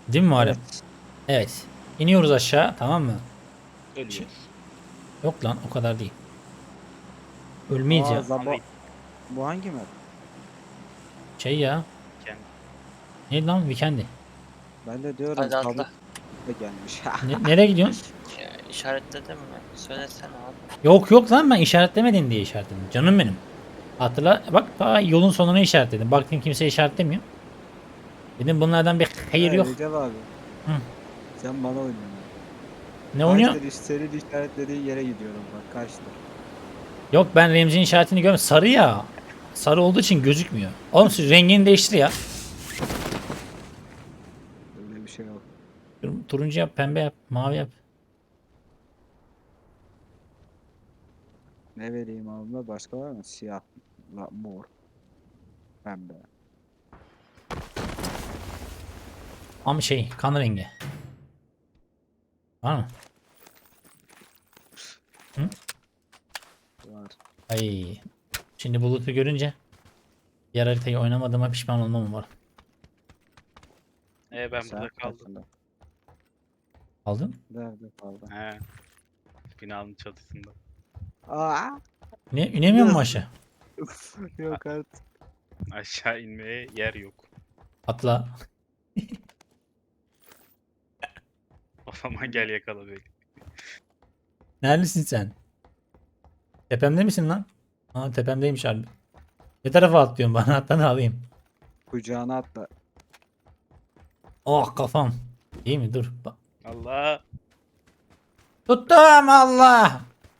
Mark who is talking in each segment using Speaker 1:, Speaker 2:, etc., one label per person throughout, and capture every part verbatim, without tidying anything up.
Speaker 1: Değil mi Muharrem?
Speaker 2: Evet.
Speaker 1: Evet. İniyoruz aşağı, tamam mı? Ş-
Speaker 3: Ölüyoruz.
Speaker 1: Yok lan, o kadar değil. Ölmeyiz
Speaker 2: Aa
Speaker 1: ya.
Speaker 2: Zabo.
Speaker 3: Abi
Speaker 2: Bu hangi map?
Speaker 1: Şey ya.
Speaker 3: kendi.
Speaker 1: Ne lan, Weekend'i.
Speaker 2: Ben de diyorum
Speaker 4: Hadi
Speaker 2: Zabo
Speaker 4: atla.
Speaker 2: da gelmiş.
Speaker 1: Ne, nereye gidiyorsun?
Speaker 4: Ya, işaretledim mi? Söylesene abi.
Speaker 1: Yok yok lan, ben işaretlemedin diye işaretledim. Canım benim. Hatırla bak, daha yolun sonuna işaretledim. Baktım kimse işaretlemiyor. Dedim bunlardan bir hayır
Speaker 2: Ha,
Speaker 1: yok.
Speaker 2: Recep abi.
Speaker 1: Hı.
Speaker 2: Sen bana oynuyorsun.
Speaker 1: Ne oynuyor?
Speaker 2: Kaçtır iş senin işaretlediğin yere gidiyorum bak kaçtır.
Speaker 1: Yok, ben Remzi'nin işaretini görmedim. Sarı ya. Sarı olduğu için gözükmüyor. Oğlum siz rengini değiştir ya.
Speaker 2: Öyle bir şey yok.
Speaker 1: Tur- Turuncu yap, pembe yap, mavi yap.
Speaker 2: Ne vereyim abime başka var mı? Siyah, la, mor, pembe.
Speaker 1: Ama şey, kan rengi. Var mı? Hı?
Speaker 2: Var.
Speaker 1: Ay. Şimdi bulutu görünce diğer haritayı oynamadığıma pişman olmam var.
Speaker 3: E ben
Speaker 2: Sen
Speaker 3: burada kaldım.
Speaker 2: kaçında?
Speaker 1: Aldın?
Speaker 2: Nerede kaldın?
Speaker 3: He. Binanın çatısında.
Speaker 2: Aa!
Speaker 1: Ne, inemiyor mu aşağı?
Speaker 2: Yok artık.
Speaker 3: Aşağı inmeye yer yok.
Speaker 1: Atla.
Speaker 3: O zaman gel yakala beni.
Speaker 1: Neredesin sen? Tepemde misin lan? Aa, tepemdeymiş harbi. Ne tarafa atlıyorsun, bana atla da alayım.
Speaker 2: Kucağına atla.
Speaker 1: Oh kafam. İyi mi? Dur. Bak.
Speaker 3: Allah.
Speaker 1: Tuttum Allah.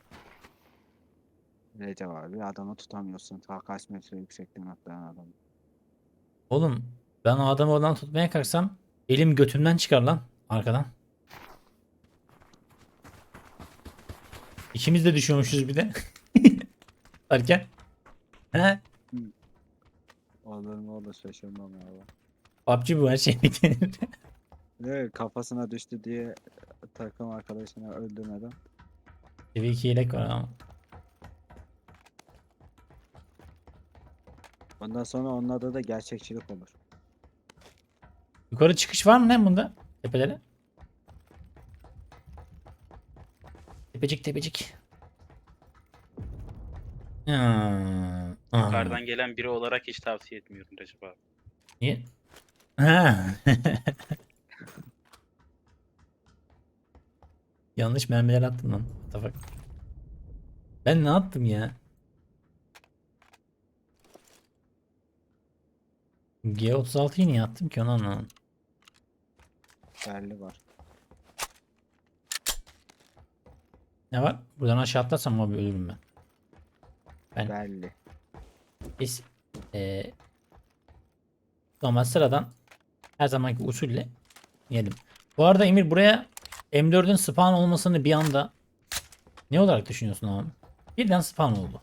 Speaker 2: Recep abi adamı tutamıyorsun. Ta kaç metre yüksekten atlayan adam.
Speaker 1: Oğlum ben o adamı oradan tutmaya kalksam elim götümden çıkar lan arkadan. İkimiz de düşüyormuşuz bir de. Derken. He?
Speaker 2: Olur mu olur şaşırmam ya.
Speaker 1: P U B G bu, her şey beklenir.
Speaker 2: Ne kafasına düştü diye takım arkadaşını öldürmeden.
Speaker 1: Seviye iki yelek var ama.
Speaker 2: Ondan sonra onun adı da gerçekçilik olur.
Speaker 1: Yukarı çıkış var mı lan bunda? Tepelere. Tepecik tepecik. Hmm. Aha.
Speaker 3: Yukarıdan gelen biri olarak hiç tavsiye etmiyorum Recep abi.
Speaker 1: Niye? Ha. Yanlış mermiler attım lan. What the fuck? Ben ne yaptım ya? G otuz altıyı niye attım ki, onu anlamadım.
Speaker 2: Belli var.
Speaker 1: Ne var? Buradan aşağı atlarsam abi ölürüm ben. Ben
Speaker 2: Belli.
Speaker 1: biz eee normal sıradan her zamanki usulle yedim. Bu arada Emir, buraya M dördün spawn olmasını bir anda ne olarak düşünüyorsun abi? Birden spawn oldu.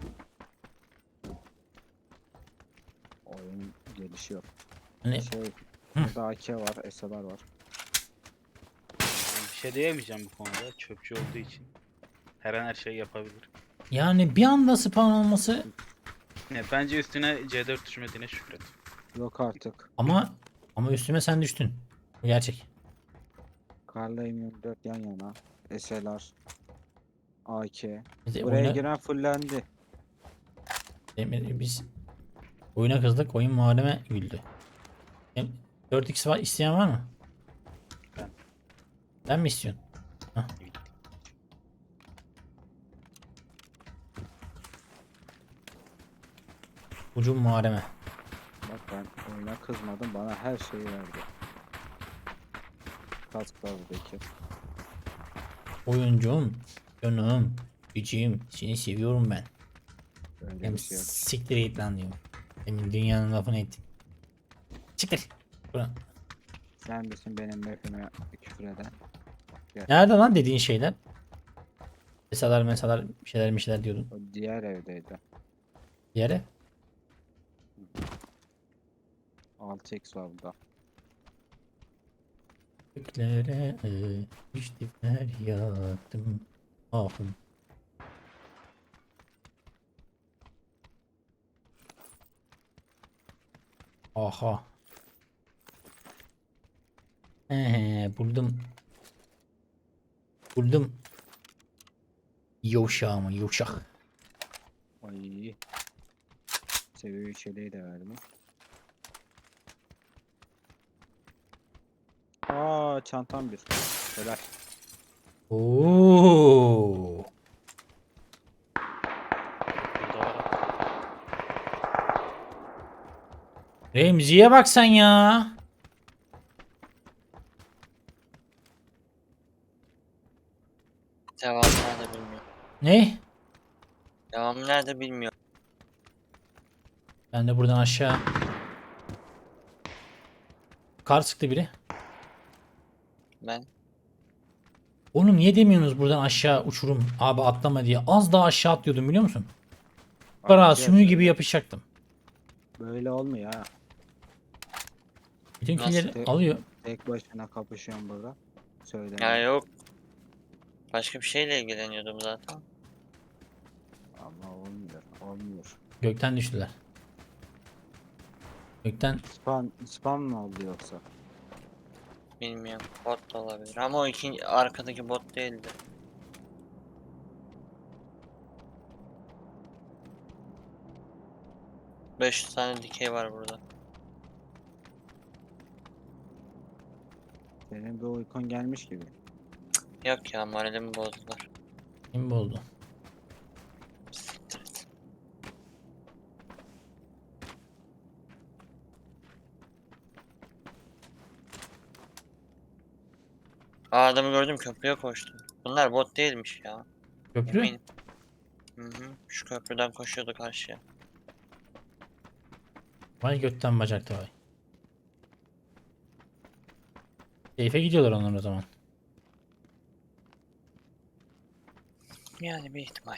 Speaker 2: Oyun gelişiyor.
Speaker 1: Hani
Speaker 2: Şey, burada A K var, S L R var.
Speaker 3: Yani bir şey diyemeyeceğim bu konuda. Çöpçü olduğu için. Her an her şeyi yapabilir.
Speaker 1: yani bir anda spawn olması,
Speaker 3: Ne, bence üstüne C dört düşmediğine şükret.
Speaker 2: Yok artık.
Speaker 1: ama ama üstüme sen düştün. Bu gerçek.
Speaker 2: Karla M yirmi dört yan yana. S L R. A K.
Speaker 1: Biz
Speaker 2: Buraya
Speaker 1: oyuna,
Speaker 2: giren fullendi.
Speaker 1: Emir, biz oyuna kızdık, oyun muhareme güldü. Em- dört x var, isteyen var mı?
Speaker 3: Ben.
Speaker 1: Ben mi istiyorsun? Hah. Ucum muhareme.
Speaker 2: Bak ben oyuna kızmadım. Bana her şeyi verdi. Kask var buradaki.
Speaker 1: Oyuncum, canım, gücüm, seni seviyorum ben.
Speaker 2: Öyle
Speaker 1: Hem
Speaker 2: bir şey yok.
Speaker 1: siktir git lan diyorum. Demin dünyanın lafını ettim. Çıkır. Buradan.
Speaker 2: Sen misin benim map'ime küfür eden?
Speaker 1: Nerede lan dediğin şeyler? Mesalar mesalar bir şeyler bir şeyler diyordun.
Speaker 2: O diğer evdeydi.
Speaker 1: Bir yere.
Speaker 2: altı x var burada.
Speaker 1: Göklere düştü feryadım. Ahım. Aha. He he buldum. Buldum. Yavşağımı yavşak.
Speaker 2: Ay. Seviye üç yeleği de verdim. Aa çantam bir. Helal.
Speaker 1: Oo.
Speaker 3: Burada var.
Speaker 1: Remzi'ye bak sen ya.
Speaker 4: Devamı nerede bilmiyorum.
Speaker 1: Ne?
Speaker 4: Devamı nerede bilmiyorum.
Speaker 1: Ben de buradan aşağı. Kar sıktı biri.
Speaker 4: Ben
Speaker 1: Oğlum niye demiyorsunuz buradan aşağı uçurum abi atlama diye. Az daha aşağı atlıyordum biliyor musun? Kara
Speaker 2: Atacağız
Speaker 1: sümüğü gibi
Speaker 2: öyle.
Speaker 1: yapışacaktım.
Speaker 2: Böyle olmuyor ha.
Speaker 1: Bütün
Speaker 4: Nasıl
Speaker 1: killeri
Speaker 2: te-
Speaker 1: alıyor.
Speaker 2: Tek başına kapışıyorum burada. Söyle.
Speaker 4: ya yok. Başka bir şeyle ilgileniyordum zaten.
Speaker 2: Ama olmuyor. Olmuyor.
Speaker 1: Gökten düştüler. Gökten
Speaker 2: Spam, spam mı oldu yoksa?
Speaker 4: Bilmiyorum. Bot da olabilir. Ama o ikinci arkadaki bot değildi. beş yüz tane dikey var burada.
Speaker 2: Senin bir uykun gelmiş gibi.
Speaker 4: Yok ya, moralimi bozdular.
Speaker 1: kim oldu?
Speaker 4: Siktir et. Aa, adamı gördüm, köprüye koştu. Bunlar bot değilmiş ya.
Speaker 1: Köprü.
Speaker 4: Eminim. Hı hı. Şu köprüden koşuyordu karşıya.
Speaker 1: Vay gökten bacakta vay. Keyfe gidiyorlar onlar o zaman.
Speaker 4: Yani bir ihtimal.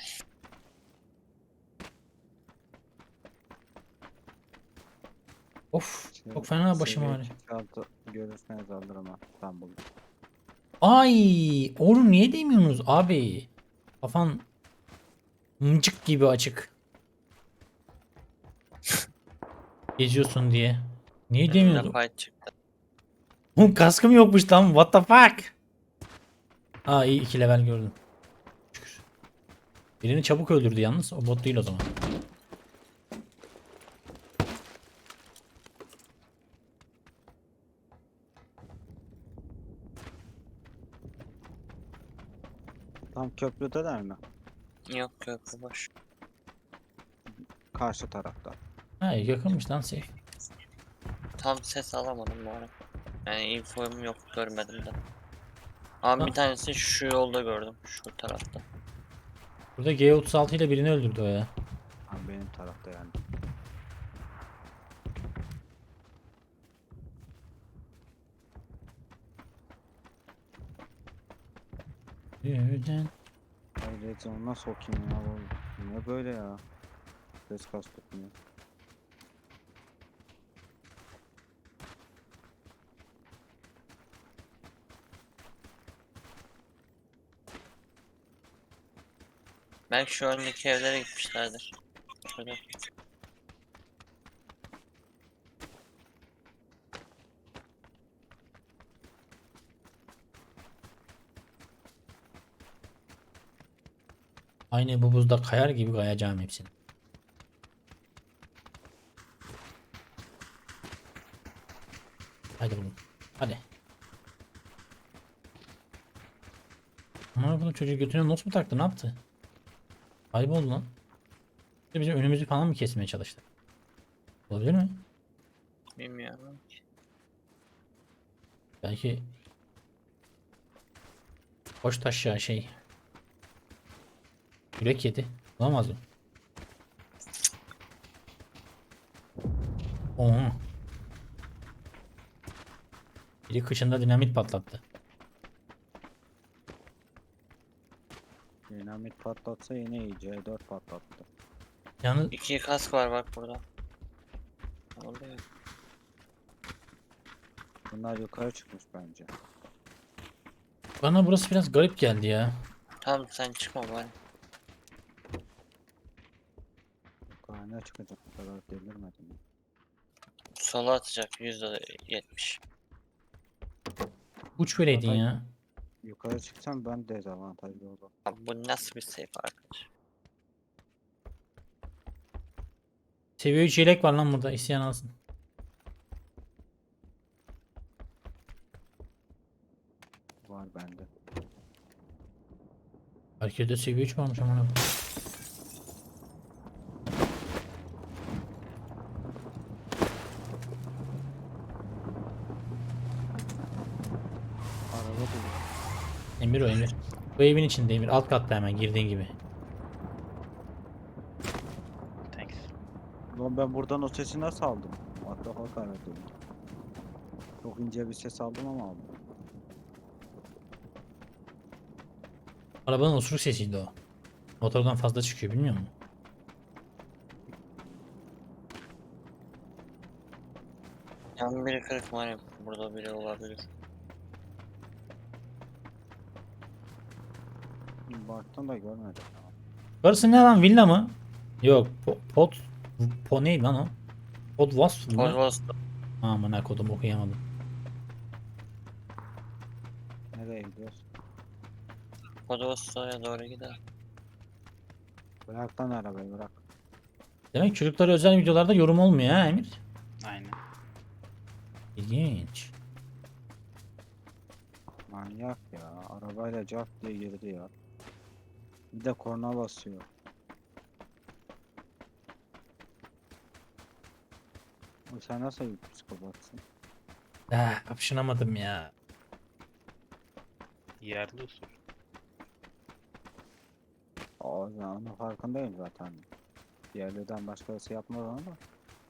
Speaker 1: Of
Speaker 2: Şey,
Speaker 1: çok fena başım
Speaker 2: seviye
Speaker 1: ağrıyor.
Speaker 2: altı görürseniz alırım ha. İstanbul'da.
Speaker 1: Ay oğlum niye demiyorsunuz abi? Kafan mıcık gibi açık. Geziyorsun diye. Niye
Speaker 4: Önümde
Speaker 1: demiyorsun?
Speaker 4: fight çıktı.
Speaker 1: Oğlum kaskım yokmuş lan. What the fuck? Aa iyi iki level gördüm. Şükür. Birini çabuk öldürdü yalnız. O bot değil o zaman.
Speaker 2: Tam köprüdeler mi?
Speaker 4: Yok, köprü boş.
Speaker 2: Karşı tarafta.
Speaker 1: Ha yakınmış lan safe.
Speaker 4: Tam ses alamadım bu arada. Yani infom yok, görmedim de. Ama
Speaker 1: Ha.
Speaker 4: bir tanesini şu yolda gördüm. Şu tarafta.
Speaker 1: Burada G otuz altı ile birini öldürdü o ya.
Speaker 2: Ha, benim tarafta yani.
Speaker 1: Birden.
Speaker 2: Ay Red Zone'una sokayım ya. Bu ne böyle ya? Ses kastetmiyor.
Speaker 4: Belki şu öndeki evlere gitmişlerdir. Şöyle.
Speaker 1: Aynı bu buzda kayar gibi kayacağım hepsini. Hadi oğlum. Hadi. Ama bunu çocuğu götüne not mu taktı? Ne yaptı? Kayboldu lan. Bir de bizim önümüzü falan mı kesmeye çalıştı? Olabilir mi?
Speaker 4: Bilmiyorum.
Speaker 1: Belki koş taşya şey. Yürek yedi. Bulamaz mı? Oha. Biri kıçında dinamit patlattı.
Speaker 2: Dinamit patlatsa yine iyi. C dört patlattı.
Speaker 1: Yalnız
Speaker 4: İki kask var bak burada. Oldu ya.
Speaker 2: Bunlar yukarı çıkmış bence.
Speaker 1: bana burası biraz garip geldi ya.
Speaker 4: Tamam, sen çıkma bari.
Speaker 2: Yukarı çıkacak. Bu kadar delirmedim. ya.
Speaker 4: Sola atacak yüzde yetmiş.
Speaker 1: Uç vereydin
Speaker 2: Zaten-
Speaker 1: ya.
Speaker 2: Yukarı çıksam ben dezavantajlı olurum.
Speaker 4: Abi bu nasıl bir safe arkadaş?
Speaker 1: Seviye üç yelek var lan burada. İsteyen alsın.
Speaker 2: Var bende.
Speaker 1: Herkeste seviye üç varmış amına koyayım.
Speaker 2: Araba buluyor.
Speaker 1: Emir o Emir. Bu evin içinde Emir. Alt katta hemen girdiğin gibi.
Speaker 3: Thanks.
Speaker 2: Lan ben buradan o sesi nasıl aldım? What the fuck aradım. Çok ince bir ses aldım ama aldım.
Speaker 1: Arabanın osuruk sesiydi o. Motordan fazla çıkıyor bilmiyor musun?
Speaker 4: Yan biri kırık var ya, burada biri olabilir.
Speaker 2: Baktım da görmedim.
Speaker 1: Burası ne lan, villa mı? Yok. Po pot. Po neydi lan o? Pod wasp mı?
Speaker 4: Pozvos
Speaker 1: Aman kodum okuyamadım.
Speaker 2: Nereye gidiyoruz?
Speaker 4: Pozvos'a doğru gider.
Speaker 2: Bırak lan arabayı bırak.
Speaker 1: Demek çocuklara özel videolarda yorum olmuyor ha Emir?
Speaker 3: Aynen.
Speaker 1: İlginç.
Speaker 2: Manyak ya. Arabayla cart diye girdi ya. Bir de korna basıyor. O sen nasıl bir psikopatsın?
Speaker 1: Ah, kapışınamadım ya.
Speaker 3: Yerli usul.
Speaker 2: Aa, ben onun farkındayım zaten. Diğerlerden başkası yapmaz onu da.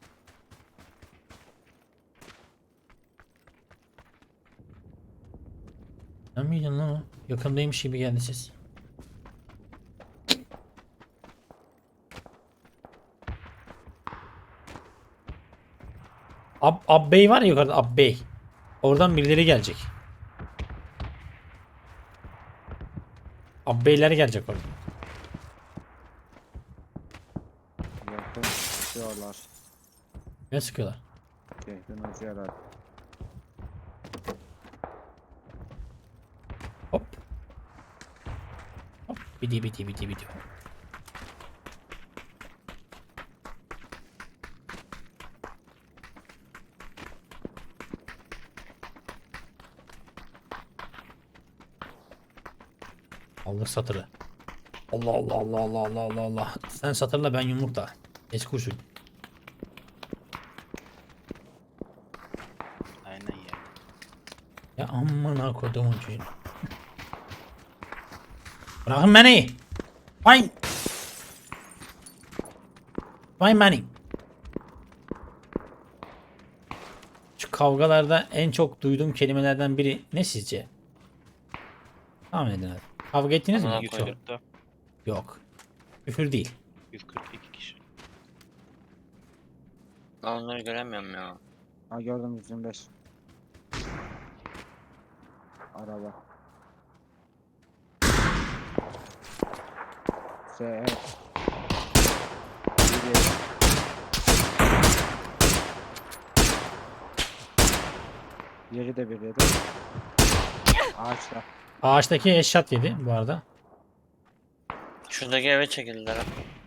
Speaker 1: Sen miydin lan o? Yakındaymış gibi geldi ses. Ab Abbey var ya yukarıda, Abbey. Oradan birileri gelecek. Abbeyler gelecek oradan.
Speaker 2: Yakın tutuyorlar.
Speaker 1: Ne sıkıyorlar?
Speaker 2: Şehrin ucu herhalde.
Speaker 1: Hop. Hop. Bidi bidi bidi bidi. Allah satırı. Allah Allah Allah Allah Allah Allah Allah. Sen satırla ben yumrukla. Eski usul.
Speaker 3: Aynen ya.
Speaker 1: Ya amına kodumun çocuğu. Bırakın beni. Fine. Fine beni. Şu kavgalarda en çok duyduğum kelimelerden biri ne sizce? Tahmin edin hadi. Kavga ettiniz mi?
Speaker 4: Amına
Speaker 1: Yok.
Speaker 4: koydum.
Speaker 3: yüz kırkta
Speaker 1: Yok. Küfür değil.
Speaker 3: yüz kırk iki kişi.
Speaker 4: Ben onları göremiyorum ya.
Speaker 2: Ha gördüm yüz yirmi beş. Araba. S E. Biri. Yeri de bir yedi. Ağaçta.
Speaker 1: Ağaçtaki eşat yedi bu arada.
Speaker 4: Şuradaki eve çekildiler.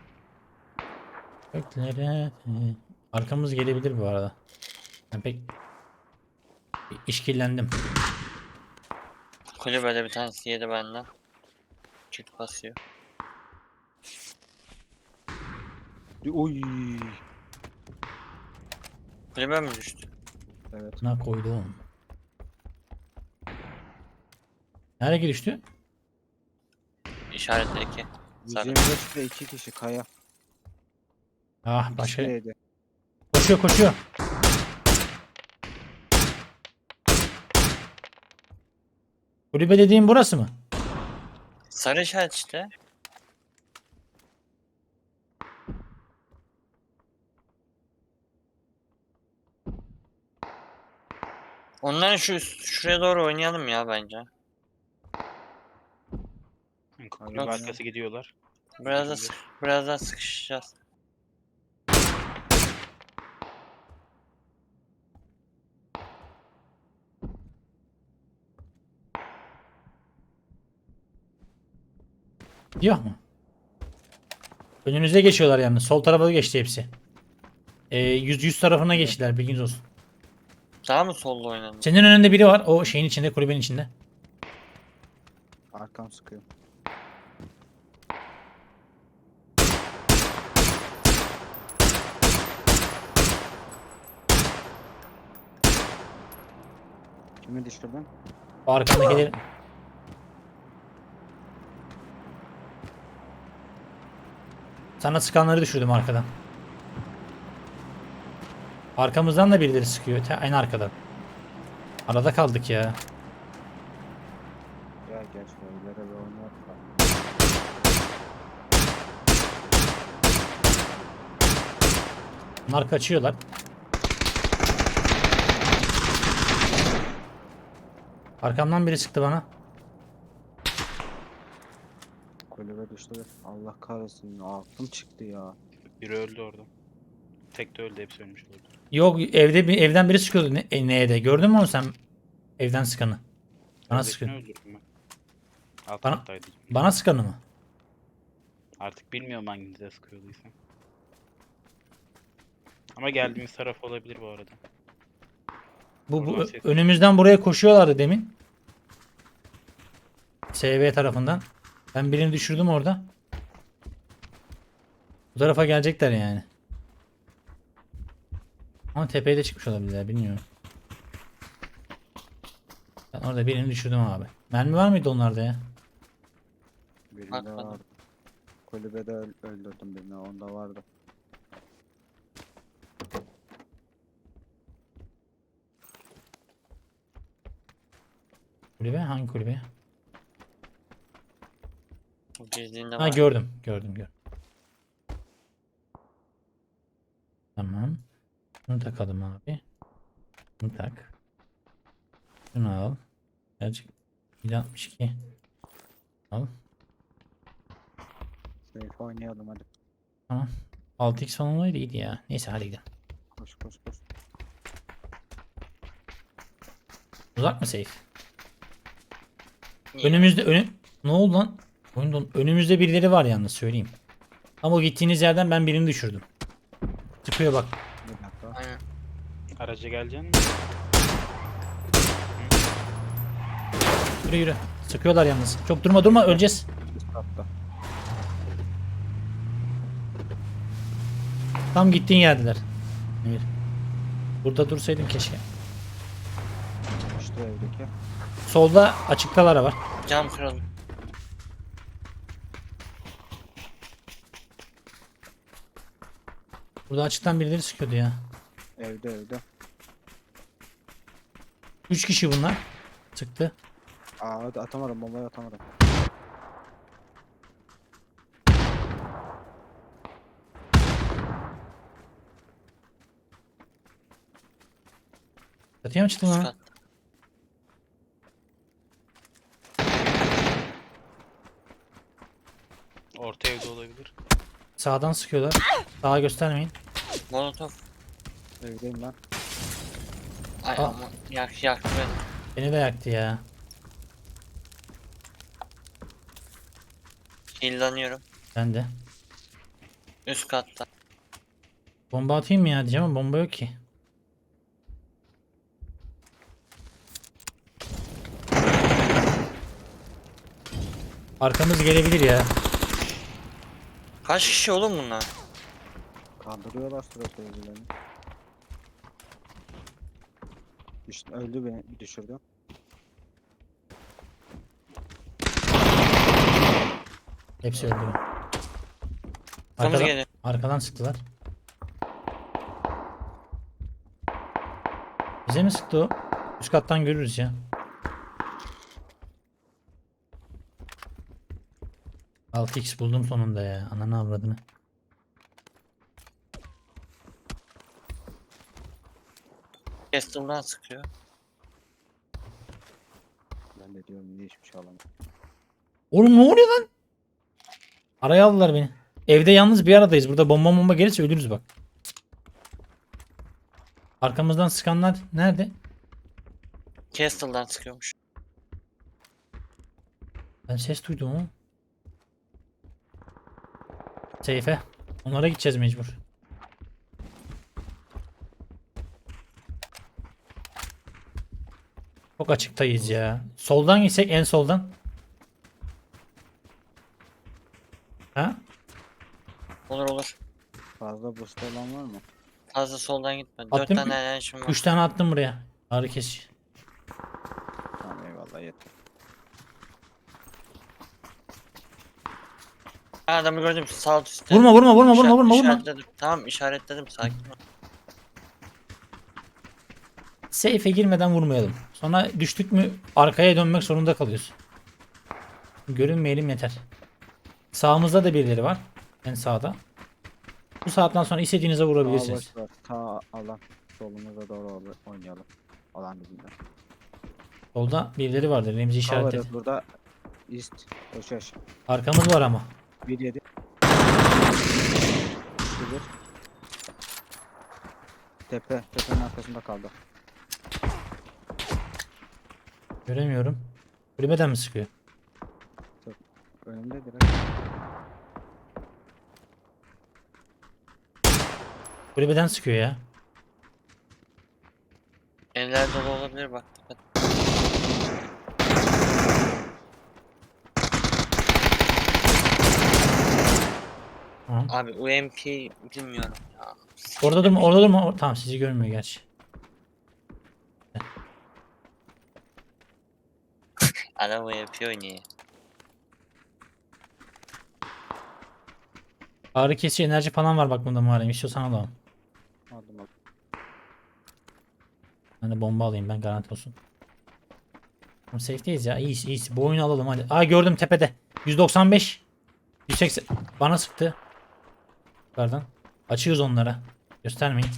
Speaker 1: Göklere. Arkamız gelebilir bu arada. Ben pek işkillendim.
Speaker 4: Kulübede bir tanesi yedi benden. Kit basıyor.
Speaker 2: Uy.
Speaker 4: Kulübe mi düştü?
Speaker 2: Evet.
Speaker 1: Ne koydum? Nereye düştü?
Speaker 4: İşaretli iki.
Speaker 2: yüz
Speaker 4: Sarı.
Speaker 2: yirmi beşte iki kişi kaya.
Speaker 1: Ah başka.
Speaker 2: İkisi de yedi.
Speaker 1: Koşuyor koşuyor. Kulübe dediğim burası mı?
Speaker 4: Sarı işaret işte. Onların şu üst- şuraya doğru oynayalım ya bence.
Speaker 3: Kulübe
Speaker 2: Yok.
Speaker 3: arkası gidiyorlar.
Speaker 4: Biraz da sık- biraz daha sıkışacağız.
Speaker 1: Yok mu? Önünüze geçiyorlar yalnız. Sol tarafa geçti hepsi. Ee, yüz yüz tarafına geçtiler, bilginiz olsun.
Speaker 4: Daha mı solda oynadın?
Speaker 1: Senin önünde biri var. O şeyin içinde, kulübenin içinde.
Speaker 2: Arkam sıkıyor. Kimi düşürdün?
Speaker 1: O arkandakileri... Sana sıkanları düşürdüm arkadan. Arkamızdan da birileri sıkıyor. te- Aynı arkadan. Arada kaldık ya.
Speaker 2: Gel gel şöyle bir oynayalım.
Speaker 1: Bunlar kaçıyorlar. Arkamdan biri sıktı bana.
Speaker 2: Kulübe düştü. Allah kahretsin. Aklım çıktı ya.
Speaker 3: Biri öldü orada. Tek de öldü, hepsi ölmüş oldu.
Speaker 1: Yok, evde bir evden biri sıkıyordu ne, e, neye de. Gördün mü onu sen? Evden sıkanı. Bana
Speaker 3: Öndekini
Speaker 1: sıkıyor.
Speaker 3: öldürdüm ben. Alt
Speaker 1: Bana-
Speaker 3: kattaydı.
Speaker 1: Bana sıkanı mı?
Speaker 3: Artık bilmiyorum hanginize sıkıyorduysam. Ama geldiğimiz taraf olabilir bu arada.
Speaker 1: Bu, bu
Speaker 3: Oradan
Speaker 1: ö-
Speaker 3: ses-
Speaker 1: önümüzden buraya koşuyorlardı demin. S V tarafından. Ben birini düşürdüm orada. Bu tarafa gelecekler yani. Ama tepeye de çıkmış olabilirler, bilmiyorum. Ben orada birini düşürdüm abi. Mermi var mıydı onlarda ya?
Speaker 2: Birinde
Speaker 4: Bakmadım.
Speaker 2: vardı. Kulübede öl- öldürdüm birini. Onda vardı.
Speaker 1: Kulübe? Hangi kulübe?
Speaker 4: Bu girdiğinde
Speaker 1: Ha,
Speaker 4: var.
Speaker 1: gördüm. Gördüm gördüm. Tamam. Bunu takalım abi. Bunu tak. Şunu al. Gerçek. bir altmış iki. Al.
Speaker 2: Safe oynayalım hadi.
Speaker 1: Tamam. altı x falan olaydı iyiydi ya. Neyse hadi gidelim.
Speaker 2: Koş koş koş.
Speaker 1: Uzak mı safe?
Speaker 4: İyi.
Speaker 1: Önümüzde önü... Ne oldu lan? Oyundan önümüzde birileri var yalnız, söyleyeyim. Ama o gittiğiniz yerden ben birini düşürdüm. Çıkıyor bak.
Speaker 2: Bir dakika.
Speaker 4: Aynen.
Speaker 3: Araca geleceksin mi?
Speaker 1: Yürü yürü. Sıkıyorlar yalnız. Çok durma durma, öleceğiz.
Speaker 2: Üst katta.
Speaker 1: Tam gittiğin yerdeler. Emir. Burada dursaydın keşke.
Speaker 2: İşte evdeki.
Speaker 1: Solda açıktalar var.
Speaker 4: Cam kırıldı.
Speaker 1: Burada açıktan birileri sıkıyordu ya.
Speaker 2: Evde evde.
Speaker 1: Üç kişi bunlar. Sıktı.
Speaker 2: Aa hadi atamadım, bombayı atamadım.
Speaker 1: Çatıya mı çıktın
Speaker 4: Üst
Speaker 1: lan?
Speaker 4: kat.
Speaker 3: Orta evde olabilir.
Speaker 1: Sağdan sıkıyorlar. Sağa göstermeyin.
Speaker 4: Molotof.
Speaker 2: Evdeyim ben.
Speaker 4: Ay
Speaker 1: Aa.
Speaker 4: ama yak yaktı beni.
Speaker 1: Beni de yaktı ya.
Speaker 4: Hillanıyorum.
Speaker 1: Ben de.
Speaker 4: Üst katta.
Speaker 1: Bomba atayım mı ya diyeceğim ama bomba yok ki. Arkamız gelebilir ya.
Speaker 4: Kaç kişi oğlum bunlar?
Speaker 2: Kaldırıyorlar sürekli evlerini. İşte öldü, beni düşürdü.
Speaker 1: Hepsi öldü.
Speaker 4: Kırmızı
Speaker 1: Arkadan,
Speaker 4: geliyor.
Speaker 1: arkadan sıktılar. Bize mi sıktı o? Üst kattan görürüz ya. altı x buldum sonunda ya. Ananı avradını.
Speaker 4: Castle'dan sıkıyor.
Speaker 2: Ben de diyorum niye hiçbir şey alamadım.
Speaker 1: Oğlum ne oluyor lan? Araya aldılar beni. Evde yalnız bir aradayız. Burada bomba bomba gelirse ölürüz bak. Arkamızdan sıkanlar nerede?
Speaker 4: Castle'dan sıkıyormuş.
Speaker 1: Ben ses duydum ama. Seyfe. Onlara gideceğiz mecbur. Çok açıktayız ya. Soldan gitsek en soldan. Ha?
Speaker 4: Olur olur.
Speaker 2: Fazla boost olan var mı?
Speaker 4: Fazla soldan gitme. Dört
Speaker 1: Attım.
Speaker 4: tane enerjim var.
Speaker 1: Üç tane attım buraya. Ağrı kesici.
Speaker 2: Tamam eyvallah yeter.
Speaker 4: Ha, adamı gördüm sağ üstte.
Speaker 1: Vurma vurma vurma vurma
Speaker 4: İşaret-
Speaker 1: vurma vurma.
Speaker 4: işaretledim. Tamam işaretledim sakin ol.
Speaker 1: Seyfe girmeden vurmayalım. Sonra düştük mü arkaya dönmek zorunda kalıyoruz. Görünmeyelim yeter. Sağımızda da birileri var. En sağda. Bu saatten sonra istediğinize
Speaker 2: Sağ
Speaker 1: vurabilirsiniz.
Speaker 2: boş ver. Sağ alan. Solumuza doğru oynayalım. Alan dibinde.
Speaker 1: Solda birileri vardır. Remzi işaretledi.
Speaker 2: Cover'ız burada. East. Koşaş.
Speaker 1: Arkamız var ama.
Speaker 2: bir yedi. bir. Tepe. Tepenin arkasında kaldı.
Speaker 1: Göremiyorum. Kulübeden mi sıkıyor?
Speaker 2: Önümde direkt.
Speaker 1: Kulübeden sıkıyor ya.
Speaker 4: Eller dolu olabilir bak. Dikkat.
Speaker 1: Tamam.
Speaker 4: Abi U M P bilmiyorum ya.
Speaker 1: Orada durma, orada durma. Or- Tamam sizi görmüyor gerçi.
Speaker 4: Adam U M P oynuyor.
Speaker 1: Ağrı kesici enerji falan var bak bunda Muharrem. İstiyorsan alalım.
Speaker 2: Aldım aldım.
Speaker 1: Ben de bomba alayım ben garanti olsun. Tamam safe'deyiz ya. İyiyiz iyiyiz. Bu oyunu alalım hadi. Aa gördüm tepede. yüz doksan beş. yüz seksen. Bana sıktı. Yukarıdan. Açıyoruz onlara. Göstermeyin.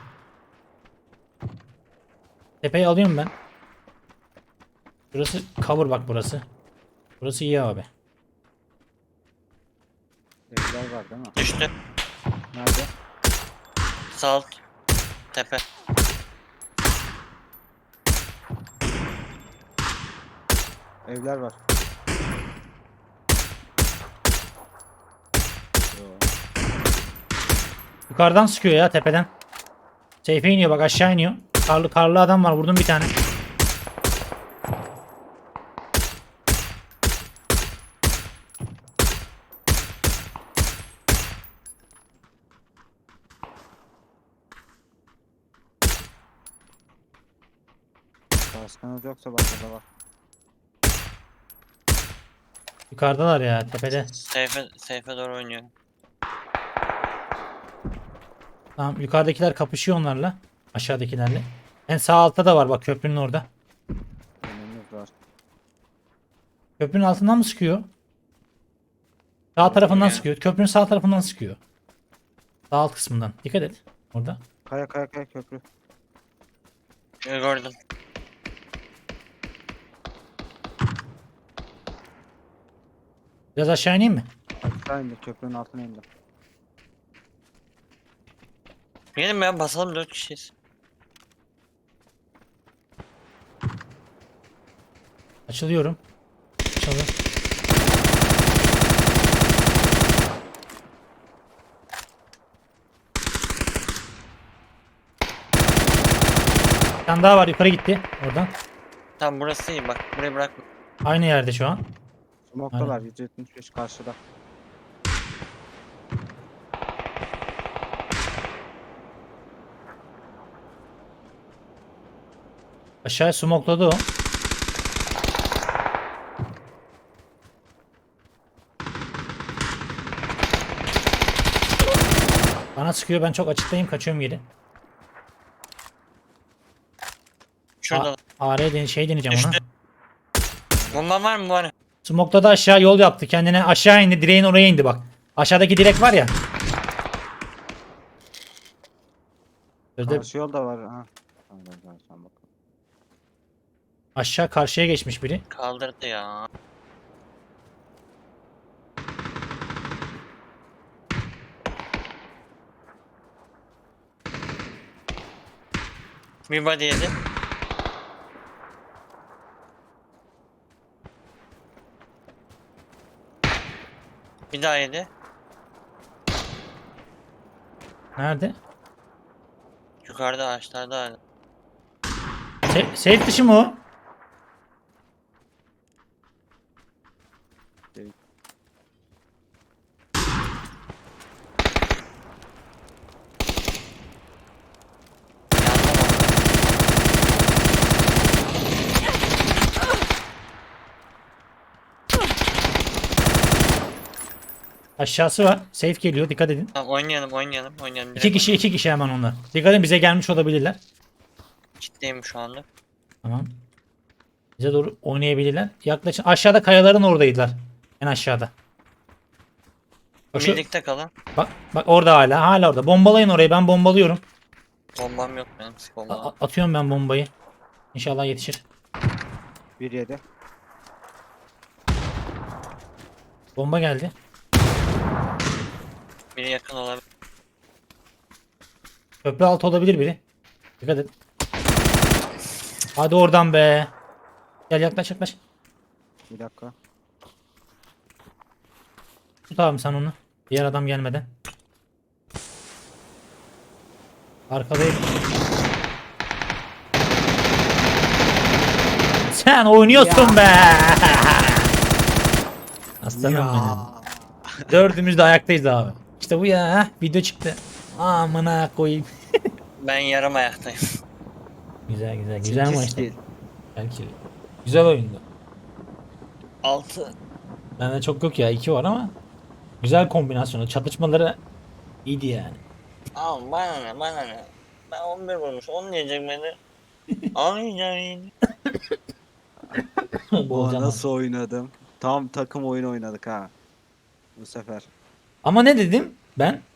Speaker 1: Tepeyi alıyorum ben. Burası cover bak burası. Burası iyi abi.
Speaker 2: Evler var değil mi?
Speaker 4: Düştü.
Speaker 2: Nerede?
Speaker 4: Sağ alt. Tepe.
Speaker 2: Evler var. Yo.
Speaker 1: Yukarıdan sıkıyor ya tepeden. Seyfe iniyor bak aşağı iniyor. Karlı karlı adam var vurdum bir tane.
Speaker 2: Kaskınız yoksa bak burada var.
Speaker 1: Yukarıdalar ya tepede.
Speaker 4: Seyfe, seyfe doğru oynuyor.
Speaker 1: Tamam yukarıdakiler kapışıyor onlarla. Aşağıdakilerle. En sağ altta da var bak köprünün orada.
Speaker 2: Önümüz var.
Speaker 1: Köprünün altından mı sıkıyor? Sağ tarafından
Speaker 4: ya.
Speaker 1: sıkıyor. Köprünün sağ tarafından sıkıyor. Sağ alt kısmından. Dikkat et. Orada.
Speaker 2: Kaya kaya kaya köprü.
Speaker 4: Ee, Gördüm.
Speaker 1: Biraz aşağı ineyim mi?
Speaker 2: Aşağı indi köprünün altına indi.
Speaker 4: Gelin ya basalım dört kişiyiz.
Speaker 1: Açılıyorum. Açıldı. Bir tane daha var yukarı gitti. Oradan.
Speaker 4: Tamam burası iyi bak. Burayı bırakma.
Speaker 1: Aynı yerde şu an.
Speaker 2: Smoke'talar yüz yetmiş beş karşıda.
Speaker 1: Aşağıya smokladı o. Bana sıkıyor ben çok açıktayım kaçıyorum geri.
Speaker 4: Şurada.
Speaker 1: A R den şey deneyeceğim ona.
Speaker 4: Düştü. Bomba var mı var?
Speaker 1: Smokladı aşağı yol yaptı kendine aşağı indi direğin oraya indi bak. Aşağıdaki direk var ya. Sözde
Speaker 2: Karşı yol da var. Ha. Tamam, ben sana sen bak.
Speaker 1: aşağı karşıya geçmiş biri.
Speaker 4: Kaldırdı ya. Bir body yedi. Bir daha yedi.
Speaker 1: Nerede?
Speaker 4: Yukarıda ağaçlarda hala.
Speaker 1: Se safe dışı mı o?
Speaker 4: Yandım
Speaker 1: Aşağısı var. Safe geliyor. Dikkat edin.
Speaker 4: Tamam oynayalım oynayalım oynayalım.
Speaker 1: İki kişi iki kişi hemen onlar. Dikkat edin bize gelmiş olabilirler.
Speaker 4: Kitleyim şu anda.
Speaker 1: Tamam. Bize doğru oynayabilirler. Yaklaşın. Aşağıda kayaların oradaydılar. En aşağıda. Bak, şu-
Speaker 4: Birlikte kalın.
Speaker 1: bak, bak orada hala. Hala orada. Bombalayın orayı. Ben bombalıyorum.
Speaker 4: Bombam yok benim.
Speaker 1: A-
Speaker 4: Bombam.
Speaker 1: a- atıyorum ben bombayı. İnşallah yetişir.
Speaker 2: Bir yedi.
Speaker 1: Bomba geldi.
Speaker 4: Biri yakın olabilir.
Speaker 1: Köprü altı olabilir biri. Dikkat et. Hadi oradan be. Gel yaklaş yaklaş.
Speaker 2: Bir dakika.
Speaker 1: Tut abi sen onu. Diğer adam gelmeden. Arkadayım. Sen oynuyorsun be. Aslanım benim. Dördümüz de ayaktayız abi. İşte bu ya. heh, Video çıktı. Amına koyayım.
Speaker 4: Ben yarım ayaktayım.
Speaker 1: Güzel güzel. Güzel
Speaker 2: Sekiz
Speaker 1: maçtı.
Speaker 2: kill.
Speaker 1: Belki. Güzel oyundu.
Speaker 4: altı.
Speaker 1: Bende çok yok ya. iki var ama. Güzel kombinasyonu. Çatışmaları iyiydi yani.
Speaker 4: Al bana ne bana ne. Ben on bir vurmuş. on diyecek beni. Aynen.
Speaker 1: Bu
Speaker 2: Aa,
Speaker 1: olacak
Speaker 2: nasıl oynadım? Tam takım oyun oynadık ha. Bu sefer.
Speaker 1: Ama ne dedim ben?